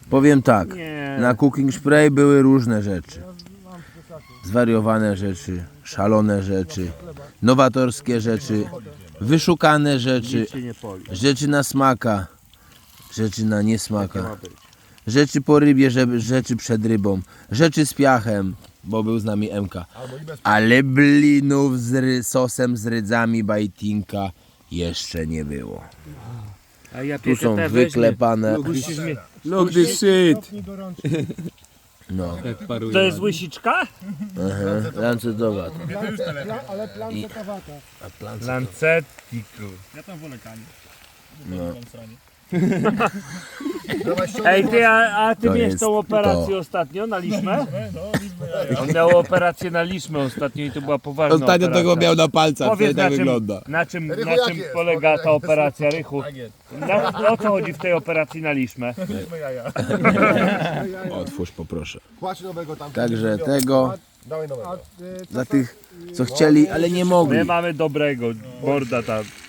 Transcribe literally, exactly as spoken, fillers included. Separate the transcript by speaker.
Speaker 1: Powiem tak,
Speaker 2: Nie.
Speaker 1: na Cooking Spray były różne rzeczy. Zwariowane rzeczy, szalone rzeczy, nowatorskie rzeczy, wyszukane rzeczy,
Speaker 2: Nic się nie poli.
Speaker 1: rzeczy na smaka, rzeczy na
Speaker 2: Ma
Speaker 1: niesmaka,
Speaker 2: być.
Speaker 1: rzeczy po rybie, żeby- rzeczy przed rybą, rzeczy z piachem, bo był z nami M K. Ale blinów z ry, sosem z rydzami bajtinka jeszcze nie było.
Speaker 2: A ja
Speaker 1: Tu są
Speaker 2: P T T
Speaker 1: wyklepane.
Speaker 2: Musisz mi...
Speaker 3: Look this shit!
Speaker 1: No,
Speaker 2: To jest łysiczka?
Speaker 1: aha, lancetowata.
Speaker 4: Ale plancetowata.
Speaker 1: A plancet,
Speaker 2: Lancetti, kur.
Speaker 5: Ja tam wolę kanie.
Speaker 1: no.
Speaker 2: Ej, ty, a, a ty
Speaker 1: To
Speaker 2: miałeś
Speaker 1: jest
Speaker 2: tą operację
Speaker 1: to.
Speaker 2: ostatnio na liczmę? On miał operację na liczmę ostatnio i to była poważna
Speaker 3: Ostatnio
Speaker 2: operacja.
Speaker 3: tego miał na palcach,
Speaker 2: Powiedz,
Speaker 3: to tak
Speaker 2: na czym,
Speaker 3: wygląda.
Speaker 2: na czym,
Speaker 4: Rychu,
Speaker 2: na
Speaker 4: jak
Speaker 2: czym
Speaker 4: jest?
Speaker 2: polega ta operacja, Rychu? Na, o co chodzi w tej operacji na liczmę?
Speaker 1: Otwórz poproszę.
Speaker 4: Płacz nowego tam.
Speaker 1: Także tego
Speaker 4: Dawaj nowego.
Speaker 1: za tych, co chcieli, ale nie mogli.
Speaker 2: My mamy dobrego, borda tam.